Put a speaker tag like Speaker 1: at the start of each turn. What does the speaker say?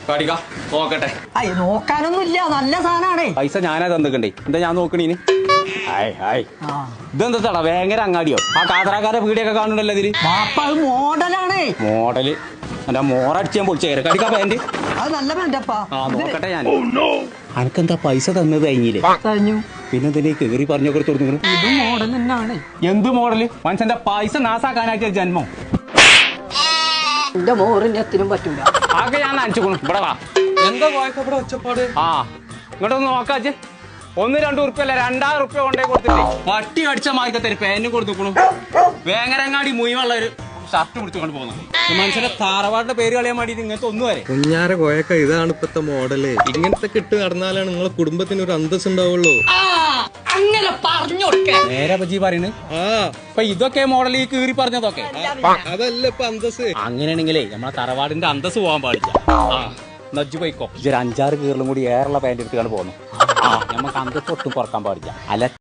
Speaker 1: കാടിക്ക നോക്കട്ടെ.
Speaker 2: അയ്യ നോക്കാനൊന്നുമില്ല, നല്ല സാധനമാണേ.
Speaker 1: പൈസ ഞാനാ തന്നിക്കണ്ടേ, എന്താ ഞാൻ നോക്കണീന്? ഇതെന്താ ഭയങ്കര അങ്ങാടിയോ? ആ കാതറാക്കാരെ വീടിയൊക്കെ കാണുന്നുണ്ടല്ലോ ഇതില്.
Speaker 2: അത് മോഡലാണേ.
Speaker 1: മോഡല് എന്റെ മോറടിച്ച് ഞാൻ പൊളിച്ചേരെ. കടിക്കാ പാന്റ്
Speaker 2: അത് നല്ല പാന്റപ്പാ.
Speaker 1: ആ നോക്കട്ടെ ഞാൻ. അനക്കെന്താ പൈസ തന്നത് കഴിഞ്ഞില്ലേ?
Speaker 2: കഴിഞ്ഞു.
Speaker 1: പിന്നെ എന്തിനാ കേറി പറഞ്ഞൊക്കെ തുറന്നു?
Speaker 2: ഇത് മോഡൽ തന്നെയാണ്.
Speaker 1: എന്ത് മോഡല്? മനുഷ്യന്റെ പൈസ നാസാക്കാനാക്കിയ ജന്മം.
Speaker 2: എന്റെ മോറിന് എത്തിനും പറ്റൂല.
Speaker 1: ആകെ ഞാൻ നനച്ചുകൊണു. ഇവിടെ വാ.
Speaker 3: എന്താ ഇവിടെ ഒച്ചപ്പാട്?
Speaker 1: ആ ഇങ്ങോട്ടൊന്ന് നോക്കാച്ച്. 1-2 ഉറുപ്പ്യല്ല 2000 ഉറുപ്പ്യ കൊണ്ടേ കൊടുത്തില്ലേ? പട്ടി അടിച്ച മാർക്കത്തിന് പേനും കൊടുത്തുക്കണു. വേങ്ങരങ്ങാടി മുയിവുള്ള ഒരു ഷർട്ട് പിടിച്ചുകൊണ്ട് പോകുന്നു. മനുഷ്യന്റെ താറവാടിന്റെ പേര് കളയാൻ വേണ്ടിട്ട് ഇങ്ങനത്തെ ഒന്നും വരെ.
Speaker 3: കുഞ്ഞാര കോയക്ക, ഇതാണ് ഇപ്പത്തെ മോഡല്. ഇങ്ങനത്തെ കിട്ട് നടന്നാലാണ് നിങ്ങളെ കുടുംബത്തിന് ഒരു അന്തസ് ഉണ്ടാവുള്ളൂ.
Speaker 2: അങ്ങനെ പറഞ്ഞു
Speaker 1: നേരെ പറ്റി പറയുന്നത്. ഇപ്പൊ ഇതൊക്കെ മോഡൽ ഈ കീറി പറഞ്ഞതൊക്കെ
Speaker 3: അതല്ല ഇപ്പൊ അന്തസ്.
Speaker 1: അങ്ങനെയാണെങ്കിലേ നമ്മളെ തറവാടിന്റെ അന്തസ് പോകാൻ പാടില്ല. നജ്ജു പോയിക്കോ. 5-6 കീറിലും കൂടി ഏറുള്ള പാന്റ് എടുത്തുകൊണ്ട് പോകുന്നു. നമുക്ക് അന്തസ് ഒട്ടും കുറക്കാൻ പാടില്ല. അല്ല